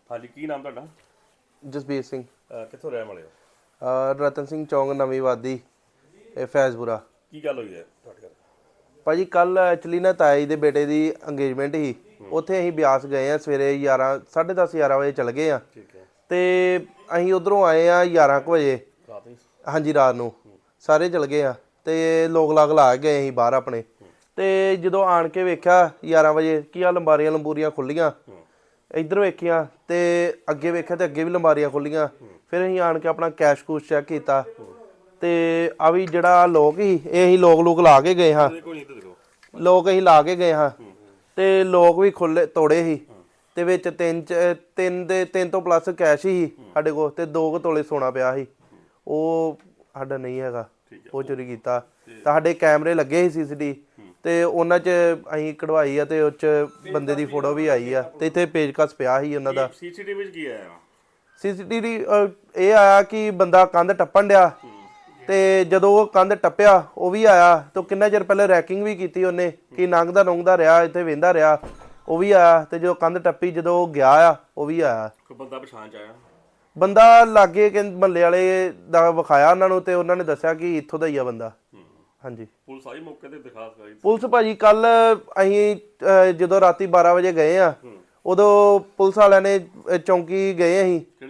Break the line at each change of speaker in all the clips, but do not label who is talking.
ਹਾਂਜੀ, ਕੀ ਨਾਮ ਤੁਹਾਡਾ?
ਜਸਬੀਰ ਸਿੰਘ।
ਕਿੱਥੋਂ ਰਹਿਣ ਵਾਲੇ ਹੋ?
ਰਤਨ ਸਿੰਘ ਚੌਂਕ, ਨਵੀਂ ਵਾਦੀ, ਇਹ ਫੈਜ਼ਪੁਰਾ।
ਕੀ ਗੱਲ ਹੋਈ ਹੈ ਤੁਹਾਡੇ ਘਰ?
ਭਾਜੀ ਕੱਲ ਐਕਚੁਅਲੀ ਨਾ ਤਾਈ ਦੇ ਬੇਟੇ ਦੀ ਅੰਗੇਜਮੈਂਟ ਸੀ। ਉੱਥੇ ਅਸੀਂ ਬਿਆਸ ਗਏ ਆ ਸਵੇਰੇ 10:30 11 ਵਜੇ ਚਲ ਗਏ ਆ।
ਠੀਕ ਹੈ।
ਤੇ ਅਸੀਂ ਉਧਰੋਂ ਆਏ ਆ 11 ਕੁ ਵਜੇ।
ਰਾਤ ਨੂੰ?
ਹਾਂਜੀ, ਰਾਤ ਨੂੰ ਸਾਰੇ ਚਲ ਗਏ ਆ ਤੇ ਲੋਕ ਲਾਗ ਲਾ ਗਏ ਅਸੀਂ ਬਾਹਰ ਆਪਣੇ। ਤੇ ਜਦੋਂ ਆਣ ਕੇ ਵੇਖਿਆ 11 ਵਜੇ ਕੀ ਆ, ਲੰਬਾਰੀਆਂ ਲੰਬੂਰੀਆਂ ਖੁੱਲੀਆਂ। ਇੱਧਰ ਵੇਖੀਆਂ ਤੇ ਅੱਗੇ ਵੇਖਿਆ ਤੇ ਅੱਗੇ ਵੀ ਲੰਬਾਰੀਆਂ ਖੁੱਲੀਆਂ। ਫਿਰ ਅਸੀਂ ਆਣ ਕੇ ਆਪਣਾ ਕੈਸ਼ ਕੂਸ਼ ਚੈੱਕ ਕੀਤਾ ਤੇ ਆ ਵੀ ਜਿਹੜਾ ਲੋਕ ਸੀ ਇਹ ਅਸੀਂ ਲੋਕ ਲਾ ਕੇ ਗਏ ਹਾਂ। ਲੋਕ ਅਸੀਂ ਲਾ ਕੇ ਗਏ ਹਾਂ ਤੇ ਲੋਕ ਵੀ ਖੁੱਲੇ ਤੋੜੇ ਸੀ ਤੇ ਵਿੱਚ ਤਿੰਨ ਤੋਂ ਪਲੱਸ ਕੈਸ਼ ਸੀ ਸਾਡੇ ਕੋਲ ਤੇ 2 ਤੋਲੇ ਸੋਨਾ ਪਿਆ ਸੀ। ਉਹ ਸਾਡਾ ਨਹੀਂ ਹੈਗਾ, ਉਹ ਚੋਰੀ ਕੀਤਾ। ਤਾਂ ਸਾਡੇ ਕੈਮਰੇ ਲੱਗੇ ਸੀ CCTV ਤੇ ਉਹਨਾਂ 'ਚ ਅਸੀਂ ਕਢਵਾਈ ਆ ਤੇ ਉਹ 'ਚ ਬੰਦੇ ਦੀ ਫੋਟੋ ਵੀ ਆਈ ਆ ਤੇ ਇੱਥੇ ਪੇਜਕਸ ਪਿਆ ਸੀ ਉਹਨਾਂ ਦਾ।
CCTV ਵਿੱਚ ਕੀ ਆਇਆ?
CCTV ਇਹ ਆਇਆ ਕਿ ਬੰਦਾ ਕੰਧ ਟੱਪਣ ਡਿਆ ਤੇ ਜਦੋਂ ਉਹ ਕੰਧ ਟੱਪਿਆ ਉਹ ਵੀ ਆਇਆ ਤੇ ਕਿੰਨਾ ਚਿਰ ਪਹਿਲੇ ਰੈਕਿੰਗ ਵੀ ਕੀਤੀ ਉਹਨੇ ਕਿ ਨੰਗਦਾ ਰਿਹਾ, ਇੱਥੇ ਵੇਂਦਾ ਰਿਹਾ, ਉਹ ਵੀ ਆਇਆ। ਤੇ ਜਦੋਂ ਕੰਧ ਟੱਪੀ ਜਦੋਂ ਉਹ ਗਿਆ ਆ ਉਹ ਵੀ ਆਇਆ।
ਕੋਈ ਬੰਦਾ ਪਛਾਣ ਚ ਆਇਆ?
ਬੰਦਾ ਲਾਗੇ ਕਿ ਮਹੱਲੇ ਵਾਲੇ ਦਾ ਵਿਖਾਇਆ ਉਹਨਾਂ ਨੂੰ ਤੇ ਉਹਨਾਂ ਨੇ ਦੱਸਿਆ ਕਿ ਇੱਥੋਂ ਦਾ ਹੀ ਆ ਬੰਦਾ। ਹਾਂਜੀ।
ਪੁਲਿਸ ਆਈ ਮੌਕੇ ਤੇ? ਦਿਖਾ ਸਕਾਈ
ਪੁਲਿਸ ਭਾਜੀ ਕੱਲ ਅਸੀਂ ਜਦੋਂ ਰਾਤੀ 12 ਵਜੇ ਗਏ ਆ ਉਦੋਂ ਪੁਲਿਸ ਵਾਲਿਆਂ ਨੇ ਚੌਂਕੀ ਗਏ ਅਸੀਂ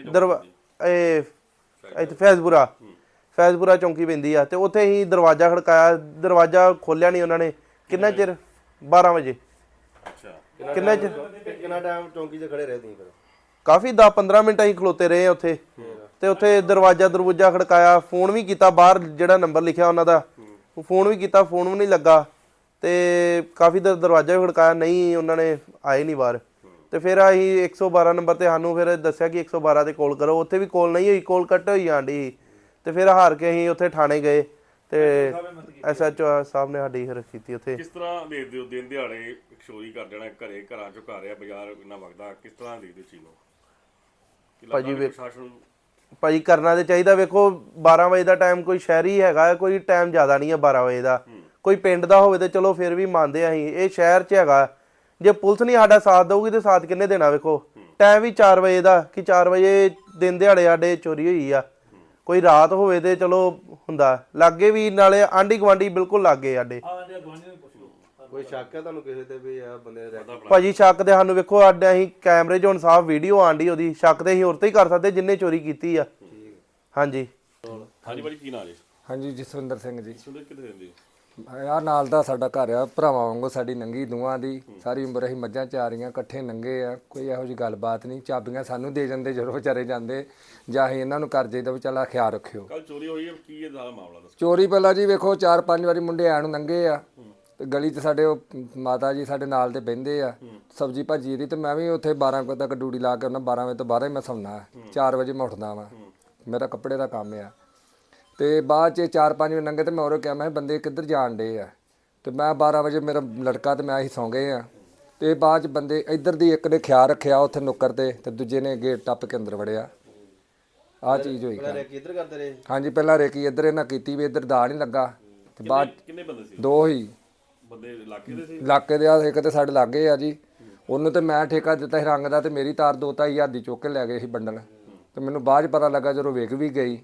ਇੱਥੇ ਫੈਜ਼ਪੁਰਾ ਚੌਂਕੀ ਪੈਂਦੀ ਆ ਤੇ ਉੱਥੇ ਅਸੀਂ ਦਰਵਾਜ਼ਾ ਖੜਕਾਇਆ, ਦਰਵਾਜ਼ਾ ਖੋਲਿਆ ਨਹੀਂ ਉਹਨਾਂ ਨੇ। ਕਿੰਨਾ ਚਿਰ? 12 ਵਜੇ।
ਅੱਛਾ।
ਕਿੰਨਾ ਚਿਰ?
ਕਿੰਨਾ ਟਾਈਮ ਚੌਂਕੀ 'ਚ ਖੜੇ ਰਹੇ ਤੁਸੀਂ ਫਿਰ?
ਕਾਫੀ 10-15 ਮਿੰਟ ਅਸੀਂ ਖਲੋਤੇ ਰਹੇ ਉੱਥੇ ਤੇ ਉੱਥੇ ਦਰਵਾਜ਼ਾ ਖੜਕਾਇਆ, ਫੋਨ ਵੀ ਕੀਤਾ ਬਾਹਰ ਜਿਹੜਾ ਨੰਬਰ ਲਿਖਿਆ ਉਹਨਾਂ ਦਾ, ਫੋਨ ਵੀ ਕੀਤਾ, ਫੋਨ ਵੀ ਨਹੀਂ ਲੱਗਾ ਤੇ ਕਾਫੀ ਦੇਰ ਦਰਵਾਜ਼ਾ ਵੀ ਖੜਕਾਇਆ, ਨਹੀਂ ਉਹਨਾਂ ਨੇ ਆਏ ਨਹੀਂ ਬਾਹਰ। ਤੇ ਫਿਰ ਅਸੀਂ 112 ਨੰਬਰ ਤੇ ਸਾਨੂੰ ਫਿਰ ਦੱਸਿਆ ਕਿ 112 ਤੇ ਕਾਲ ਕਰੋ। ਉੱਥੇ ਵੀ ਕਾਲ ਨਹੀਂ ਹੋਈ, ਕਾਲ ਕੱਟ ਹੋਈ ਜਾਂਦੀ। ਤੇ ਫਿਰ ਹਾਰ ਕੇ ਅਸੀਂ ਉੱਥੇ ਥਾਣੇ ਗਏ ਤੇ SHO ਸਾਹਿਬ ਨੇ ਸਾਡੀ ਫਿਰ ਕੀਤੀ ਉੱਥੇ।
ਕਿਸ ਤਰ੍ਹਾਂ ਦੇਖਦੇ ਹੋ ਦਿਨ ਦਿਹਾੜੇ ਚੋਰੀ ਕਰ ਜਾਣਾ, ਘਰਾਂ ਚੋਂ ਘਰ ਆ, ਬਾਜ਼ਾਰ ਇੰਨਾ ਵਗਦਾ, ਕਿਸ ਤਰ੍ਹਾਂ ਦੇਖਦੇ ਹੋ ਚੀਜ਼ ਨੂੰ?
ਭਾਜੀ ਕਰਨਾ ਤੇ ਚਾਹੀਦਾ। ਵੇਖੋ 12 ਵਜੇ ਦਾ ਟਾਈਮ ਕੋਈ ਸ਼ਹਿਰੀ ਹੈਗਾ, ਕੋਈ ਟਾਈਮ ਜ਼ਿਆਦਾ ਨਹੀਂ ਹੈ 12 ਵਜੇ ਦਾ। ਕੋਈ ਪਿੰਡ ਦਾ ਹੋਵੇ ਤੇ ਚਲੋ ਫਿਰ ਵੀ ਮੰਨਦੇ ਆ ਅਸੀਂ, ਇਹ ਸ਼ਹਿਰ 'ਚ ਹੈਗਾ। ਜੇ ਪੁਲਿਸ ਨਹੀਂ ਸਾਡਾ ਸਾਥ ਦਊਗੀ ਤੇ ਸਾਥ ਕਿੰਨੇ ਦੇਣਾ? ਵੇਖੋ ਟਾਈਮ ਵੀ 4 ਵਜੇ ਦਾ ਕਿ 4 ਵਜੇ ਦਿਨ ਦਿਹਾੜੇ ਸਾਡੇ ਚੋਰੀ ਹੋਈ ਆ। ਕੋਈ ਰਾਤ ਹੋਵੇ ਤੇ ਚਲੋ ਹੁੰਦਾ। ਲਾਗੇ ਵੀ ਨਾਲੇ ਆਂਢੀ ਗੁਆਂਢੀ ਬਿਲਕੁਲ ਲਾਗੇ ਸਾਡੇ।
ਕੋਈ ਸ਼ੱਕ ਹੈ ਤੁਹਾਨੂੰ ਕਿਸੇ ਤੇ ਵੀ ਆ ਬੰਦੇ ਨੇ?
ਭਾਜੀ ਸ਼ੱਕ ਤੇ ਸਾਨੂੰ ਵੇਖੋ ਸਾਡੇ ਅਸੀਂ ਕੈਮਰੇ 'ਚ ਹੁਣ ਸਾਫ਼ ਵੀਡੀਓ ਆਂਡੀ ਉਹਦੀ, ਸ਼ੱਕ ਤੇ ਅਸੀਂ ਹੋਰ ਤੇ ਹੀ ਕਰ ਸਕਦੇ ਜਿੰਨੇ ਚੋਰੀ ਕੀਤੀ ਆ। ਹਾਂਜੀ।
ਹਾਂਜੀ ਭਾਜੀ, ਕੀ ਨਾਂ ਜੀ?
ਹਾਂਜੀ, ਜਸਵਿੰਦਰ ਸਿੰਘ ਜੀ।
ਕਿੱਥੇ ਰਹਿੰਦੇ?
ਆਹ ਨਾਲ ਦਾ ਸਾਡਾ ਘਰ ਆ, ਭਰਾਵਾਂ ਵਾਂਗੂ ਸਾਡੀ ਨੰਗੀ ਦੋਵਾਂ ਦੀ। ਸਾਰੀ ਉਮਰ ਅਸੀਂ ਮੱਝਾਂ ਚਾਰੀਆਂ, ਇਕੱਠੇ ਨੰਗੇ ਆ, ਕੋਈ ਇਹੋ ਜਿਹੀ ਗੱਲਬਾਤ ਨਹੀਂ। ਚਾਬੀਆਂ ਸਾਨੂੰ ਦੇ ਜਾਂਦੇ ਜਦੋਂ ਵਿਚਾਰੇ ਜਾਂਦੇ, ਜਾਂ ਅਸੀਂ ਇਹਨਾਂ ਨੂੰ ਕਰ ਜਾਈਦਾ ਵੀ ਚੱਲ ਖਿਆਲ ਰੱਖਿਓ।
ਕੱਲ ਚੋਰੀ ਹੋਈ ਹੈ, ਕੀ ਇਹ ਦਾ ਮਾਮਲਾ ਦੱਸੋ?
ਚੋਰੀ ਪਹਿਲਾਂ ਜੀ ਵੇਖੋ 4-5 ਵਾਰੀ ਮੁੰਡੇ ਆਣ ਨੂੰ ਨੰਗੇ ਆ ਤੇ ਗਲੀ 'ਚ ਸਾਡੇ ਉਹ ਮਾਤਾ ਜੀ ਸਾਡੇ ਨਾਲ ਤੇ ਬਹਿੰਦੇ ਆ ਸਬਜ਼ੀ ਭਾਜੀ ਦੀ, ਤੇ ਮੈਂ ਵੀ ਉੱਥੇ 12 ਵਜੇ ਤੱਕ ਡਿਊਟੀ ਲਾ ਕੇ ਉਹਨਾਂ 12 ਵਜੇ ਤੋਂ ਬਾਅਦ ਹੀ ਮੈਂ ਸੌਂਦਾ। 4 ਵਜੇ ਮੈਂ ਉੱਠਦਾ ਵਾਂ, ਮੇਰਾ ਕੱਪੜੇ ਦਾ ਕੰਮ ਆ। ਤੇ ਬਾਅਦ 'ਚ 4-5 ਵਜੇ ਨੰਗੇ ਤੇ ਮੈਂ ਉਹਨੂੰ ਕਿਹਾ ਮੈਂ ਬੰਦੇ ਕਿੱਧਰ ਜਾਣ ਡੇ ਆ, ਤੇ ਮੈਂ 12 ਵਜੇ ਮੇਰਾ ਲੜਕਾ ਤੇ ਮੈਂ ਅਸੀਂ ਸੌਂ ਗਏ ਆ। ਤੇ ਬਾਅਦ 'ਚ ਬੰਦੇ ਇੱਧਰ ਦੀ ਇੱਕ ਨੇ ਖਿਆਲ ਰੱਖਿਆ ਉੱਥੇ ਨੁੱਕਰ ਤੇ ਦੂਜੇ ਨੇ ਗੇਟ ਟੱਪ ਕੇ ਅੰਦਰ ਵੜਿਆ। ਆਹ ਚੀਜ਼ ਹੋਈ।
ਕਿੱਧਰ ਕਰਦੇ ਰਹੇ?
ਹਾਂਜੀ, ਪਹਿਲਾਂ ਰੇਕੀ ਇੱਧਰ ਇਹਨਾਂ ਕੀਤੀ ਵੀ ਇੱਧਰ ਦਾ ਨਹੀਂ ਲੱਗਾ ਤੇ ਬਾਅਦ
ਕਿੰਨੇ ਬੰਦੇ ਸੀ?
2 ਹੀ
ਬੰਦੇ ਇਲਾਕੇ ਦੇ ਸੀ?
ਇਲਾਕੇ ਦੇ ਆ, ਇੱਕ ਤੇ ਸਾਡੇ ਲਾਗੇ ਆ ਜੀ। ਉਹਨੂੰ ਤੇ ਮੈਂ ਠੇਕਾ ਦਿੱਤਾ ਸੀ ਰੰਗ ਦਾ ਤੇ ਮੇਰੀ ਤਾਰ 2-2 ਹਜ਼ਾਰ ਦੀ ਚੁੱਕ ਕੇ ਲੈ ਗਏ ਸੀ ਬੰਡਲ। ਤੇ ਮੈਨੂੰ ਬਾਅਦ 'ਚ ਪਤਾ ਲੱਗਾ ਜਦੋਂ ਵਿਕ ਵੀ ਗਈ।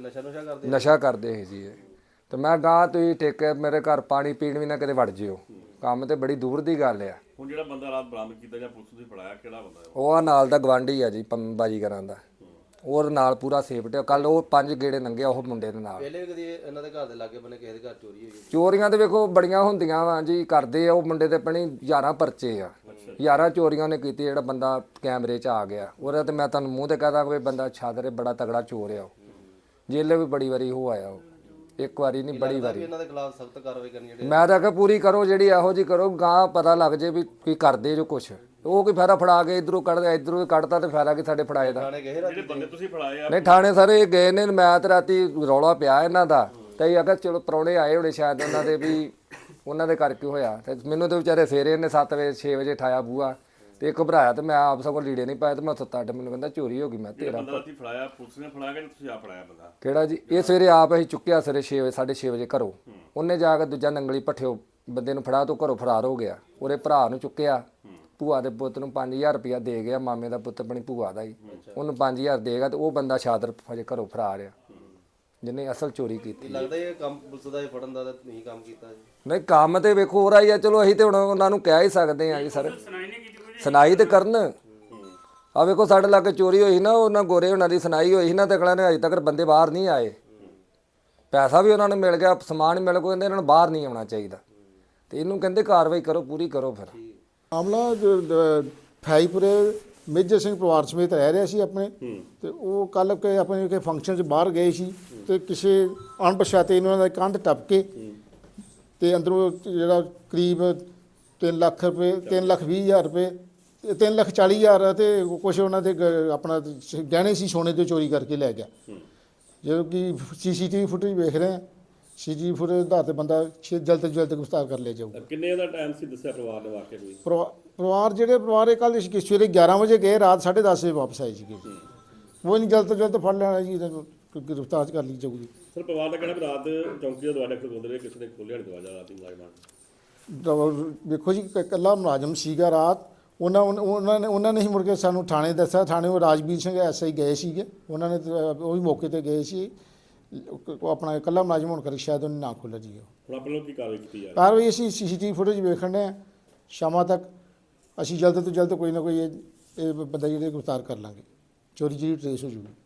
ਨਸ਼ਾ ਕਰਦੇ ਸੀ ਜੀ ਇਹ। ਤੇ ਮੈਂ ਗਾਂ ਤੁਸੀਂ ਠੇਕੇ ਮੇਰੇ ਘਰ ਪਾਣੀ ਪੀਣ ਵੀ ਨਾ ਕਿਤੇ ਵੜ ਜਿਓ, ਕੰਮ ਤੇ ਬੜੀ ਦੂਰ ਦੀ ਗੱਲ ਆ।
ਹੁਣ ਜਿਹੜਾ ਬੰਦਾ ਰਾਤ ਬਰਾਮਦ ਕੀਤਾ ਜਾਂ ਪੁਲਿਸ ਨੇ ਫੜਾਇਆ, ਕਿਹੜਾ ਬੰਦਾ?
ਉਹ ਆ ਨਾਲ ਦਾ ਗਵਾਂਢੀ ਆ ਜੀ, ਬਾਜੀਗਰਾਂ ਦਾ। ਉਹ ਨਾਲ ਪੂਰਾ ਸੇਫਟੀ। ਕੱਲ ਉਹ 5 ਗੇੜੇ ਲੰਘਿਆ ਉਹ ਮੁੰਡੇ ਦੇ ਨਾਲ।
ਪਹਿਲੇ ਵੀ ਕਦੀ ਇਹਨਾਂ ਦੇ ਘਰ ਦੇ ਲਾਗੇ ਬੰਨੇ ਕਿਸੇ ਦੇ ਘਰ ਚੋਰੀ ਹੋਈ?
ਚੋਰੀਆਂ ਤੇ ਵੇਖੋ ਬੜੀਆਂ ਹੁੰਦੀਆਂ ਵਾ ਜੀ, ਕਰਦੇ ਆ। ਉਹ ਮੁੰਡੇ ਤੇ ਆਪਣੀ 11 ਪਰਚੇ ਆ, 11 ਚੋਰੀਆਂ ਨੇ ਕੀਤੀ। ਜਿਹੜਾ ਬੰਦਾ ਕੈਮਰੇ 'ਚ ਆ ਗਿਆ ਉਹਦਾ ਤੇ ਮੈਂ ਤੁਹਾਨੂੰ ਮੂੰਹ ਤੇ ਕਹਦਾ ਕੋਈ ਬੰਦਾ ਛਾਦਰੇ ਬੜਾ ਤਗੜਾ ਚੋਰ ਆ। ਜੇਲੇ ਵੀ ਬੜੀ ਵਾਰੀ ਹੋ ਆਇਆ, ਉਹ ਇੱਕ ਵਾਰੀ ਨਹੀਂ ਬੜੀ ਵਾਰੀ।
ਇਹਨਾਂ ਦੇ ਖਿਲਾਫ ਸਖਤ ਕਾਰਵਾਈ ਕਰਨੀ
ਮੈਂ ਤਾਂ ਕਿਹਾ ਪੂਰੀ ਕਰੋ ਜਿਹੜੀ ਇਹੋ ਜਿਹੀ ਕਰੋ, ਗਾਂ ਪਤਾ ਲੱਗ ਜੇ ਵੀ ਕੀ ਕਰਦੇ ਜੋ ਕੁਛ। ਉਹ ਕੋਈ ਫਾਇਦਾ ਫੜਾ ਕੇ ਇਧਰੋਂ ਕੱਢਦਾ, ਇਧਰੋਂ ਕੱਢਦਾ ਤੇ ਫਾਇਦਾ ਕਿ ਸਾਡੇ ਫੜਾਏ ਦਾ।
ਜਿਹੜੇ ਬੰਦੇ ਤੁਸੀਂ ਫੜਾਏ ਆ?
ਨਹੀਂ, ਥਾਣੇ ਸਾਰੇ ਗਏ ਨੇ। ਮੈਂ ਤੇ ਰਾਤੀ ਰੌਲਾ ਪਿਆ ਇਹਨਾਂ ਦਾ ਤੇ ਅਸੀਂ ਆਖਿਆ ਚਲੋ ਪ੍ਰਾਹੁਣੇ ਆਏ ਹੋਣੇ ਸ਼ਾਇਦ ਉਹਨਾਂ ਦੇ, ਵੀ ਉਹਨਾਂ ਦੇ ਕਰਕੇ ਹੋਇਆ। ਤੇ ਮੈਨੂੰ ਤੇ ਵਿਚਾਰੇ ਸਵੇਰੇ ਇਹਨੇ 7 ਵਜੇ 6 ਵਜੇ ਠਾਇਆ ਬੂਆ ਤੇ ਘਬਰਾਇਆ ਤੇ ਮੈਂ ਆਪ ਸਗੋਂ ਲੀੜੇ ਨਹੀਂ ਪਾਏ ਤੇ ਮੈਂ ਸੁੱਤਾ ਅੱਡ। ਮੈਨੂੰ ਕਹਿੰਦਾ ਚੋਰੀ ਹੋ ਗਈ। ਮੈਂ ਤੇਰਾ
ਫੜਾਇਆ ਪੁਲਿਸ ਨੇ ਫੜਾਇਆ ਕਿ ਤੁਸੀਂ ਆਪ ਫੜਾਇਆ ਬੰਦਾ?
ਕਿਹੜਾ ਜੀ? ਇਹ ਸਵੇਰੇ ਆਪ ਅਸੀਂ ਚੁੱਕਿਆ ਸਵੇਰੇ 6 ਵਜੇ 6:30 ਵਜੇ ਘਰੋਂ। ਉਹਨੇ ਜਾ ਕੇ ਦੂਜਾ ਨੰਗਲੀ ਭੱਠਿਓ ਬੰਦੇ ਨੂੰ ਫੜਾ ਤੋਂ ਘਰੋਂ ਫਰਾਰ ਹੋ ਗਿਆ। ਉਹਦੇ ਭਰਾ ਨੂੰ ਚੁੱਕਿਆ ਭੂਆ ਦੇ ਪੁੱਤ ਨੂੰ 5000 ਰੁਪਇਆ ਦੇ ਗਿਆ, ਮਾਮੇ ਦਾ ਪੁੱਤ ਆਪਣੀ ਭੂਆ ਦਾ ਹੀ, ਉਹਨੂੰ 5000 ਦੇਗਾ ਤੇ ਉਹ ਬੰਦਾ ਸ਼ਾਦਰ ਹਜੇ ਘਰੋਂ ਫਰਾਰ ਆ ਜਿਹਨੇ ਅਸਲ ਚੋਰੀ ਕੀਤੀ।
ਲੱਗਦਾ ਇਹ ਕੰਮ ਪੁਲਿਸ ਦਾ ਫੜਨ ਦਾ ਨਹੀਂ ਕੰਮ ਕੀਤਾ ਜੀ।
ਨਹੀਂ ਕੰਮ ਤੇ ਵੇਖੋ ਹੋ ਰਹੀ ਆ, ਚਲੋ ਅਸੀਂ ਤੇ ਹੁਣ ਉਹਨਾਂ ਨੂੰ ਕਹਿ ਹੀ ਸਕਦੇ ਆ ਜੀ ਸਰ, ਸੁਣਾਈ ਤੇ ਕਰਨ। ਆ ਵੇਖੋ ਸਾਡੇ ਲਾਗੇ ਚੋਰੀ ਹੋਈ ਨਾ, ਉਹਨਾਂ ਗੋਰੇ ਉਹਨਾਂ ਦੀ ਸੁਣਾਈ ਹੋਈ ਸੀ ਨਾ, ਤੇ ਅਗਲਾ ਨੇ ਅਜੇ ਤੱਕ ਬੰਦੇ ਬਾਹਰ ਨਹੀਂ ਆਏ। ਪੈਸਾ ਵੀ ਉਹਨਾਂ ਨੂੰ ਮਿਲ ਗਿਆ, ਸਮਾਨ ਮਿਲ ਗਿਆ, ਕਹਿੰਦੇ ਇਹਨਾਂ ਨੂੰ ਬਾਹਰ ਨਹੀਂ ਆਉਣਾ ਚਾਹੀਦਾ, ਤੇ ਇਹਨੂੰ ਕਹਿੰਦੇ ਕਾਰਵਾਈ ਕਰੋ, ਪੂਰੀ ਕਰੋ। ਫਿਰ
ਮਾਮਲਾ ਫਾਈਪੁਰੇ ਮੇਜਰ ਸਿੰਘ ਪਰਿਵਾਰ ਸਮੇਤ ਰਹਿ ਰਿਹਾ ਸੀ ਆਪਣੇ, ਤੇ ਉਹ ਕੱਲ ਕੇ ਆਪਣੇ ਕੇ ਫੰਕਸ਼ਨ 'ਚ ਬਾਹਰ ਗਏ ਸੀ, ਤੇ ਕਿਸੇ ਅਣਪਛਾਤੇ ਇਹਨਾਂ ਦਾ ਕੰਧ ਟੱਪ ਕੇ ਤੇ ਅੰਦਰੋਂ ਜਿਹੜਾ ਕਰੀਬ 3 ਲੱਖ ਰੁਪਏ 3,20,000 ਰੁਪਏ 3,40,000 ਤੇ ਕੁਛ ਉਹਨਾਂ ਦੇ ਆਪਣਾ ਗਹਿਣੇ ਸੀ ਸੋਨੇ ਦੇ ਚੋਰੀ ਕਰਕੇ ਲੈ ਗਿਆ। ਜਦੋਂ ਕਿ ਸੀਸੀਟੀਵੀ ਫੁਟੇਜ ਵੇਖ ਰਹੇ ਹਾਂ, ਸੀਸੀਟੀਵੀ ਫੁਟੇਜ ਦੇ ਆਧਾਰ ਤੇ ਬੰਦਾ ਜਲਦ ਤੋਂ ਜਲਦ ਗ੍ਰਿਫਤਾਰ ਕਰ ਲਿਆ ਜਾਊਗਾ।
ਕਿੰਨੇ ਦਾ ਟਾਈਮ ਸੀ ਦੱਸਿਆ ਪਰਿਵਾਰ ਨੇ ਵਾਕਿਆ ਕੋਈ?
ਪਰਿਵਾਰ ਇਹ ਕੱਲ੍ਹ ਸਵੇਰੇ 11 ਵਜੇ ਗਏ, ਰਾਤ 10:30 ਵਜੇ ਵਾਪਸ ਆਏ ਸੀਗੇ। ਉਹ ਨਹੀਂ ਜਲਦ ਤੋਂ ਜਲਦ ਫੜ ਲੈਣਾ ਜੀ, ਗ੍ਰਿਫਤਾਰ ਕਰ ਲਈ ਜਾਊਗੀ।
ਸਰ ਪਰਿਵਾਰ ਦਾ ਕਹਿਣਾ ਵੀ ਰਾਤ ਚੌਂਕੀ ਦਾ ਦਰਵਾਜ਼ਾ ਖੋਲ੍ਹਦੇ ਰਹੇ, ਕਿਸੇ ਨੇ ਖੋਲ੍ਹਿਆ ਨਹੀਂ ਦਰਵਾਜ਼ਾ ਰਾਤੀ ਮੁਲਾਜ਼ਮਾਂ।
ਦੇਖੋ ਜੀ ਇਕੱਲਾ ਮੁਲਾਜ਼ਮ ਸੀਗਾ ਰਾਤ, ਉਹਨਾਂ ਨੇ ਹੀ ਮੁੜ ਕੇ ਸਾਨੂੰ ਥਾਣੇ ਦੱਸਿਆ। ਥਾਣੇ ਉਹ ਰਾਜਵੀਰ ਸਿੰਘ ਐਸਆਈ ਗਏ ਸੀਗੇ, ਉਹਨਾਂ ਨੇ ਉਹ ਵੀ ਮੌਕੇ ਤੇ ਗਏ ਸੀ। ਉਹ ਆਪਣਾ ਇਕੱਲਾ ਮੁਲਾਜ਼ਮ ਹੋਣ ਕਰਕੇ ਸ਼ਾਇਦ ਉਹਨੇ ਨਾ ਖੋਲ੍ਹਿਆ ਜੀ।
ਹੁਣ ਆਪਣੇ ਲੋਕ ਕੀ ਕਾਰਵਾਈ ਕੀਤੀ ਜਾ
ਕਾਰਵਾਈ ਅਸੀਂ ਸੀਸੀਟੀਵੀ ਫੁਟੇਜ ਵੇਖਣ ਡਏ ਹਾਂ, ਸ਼ਾਮਾਂ ਤੱਕ ਅਸੀਂ ਜਲਦ ਤੋਂ ਜਲਦ ਕੋਈ ਨਾ ਕੋਈ ਇਹ ਬੰਦਾ ਜਿਹੜੇ ਗ੍ਰਿਫਤਾਰ ਕਰ ਲਾਂਗੇ, ਚੋਰੀ ਜਿਹੜੀ ਟਰੇਸ ਹੋ ਜੂਗੀ।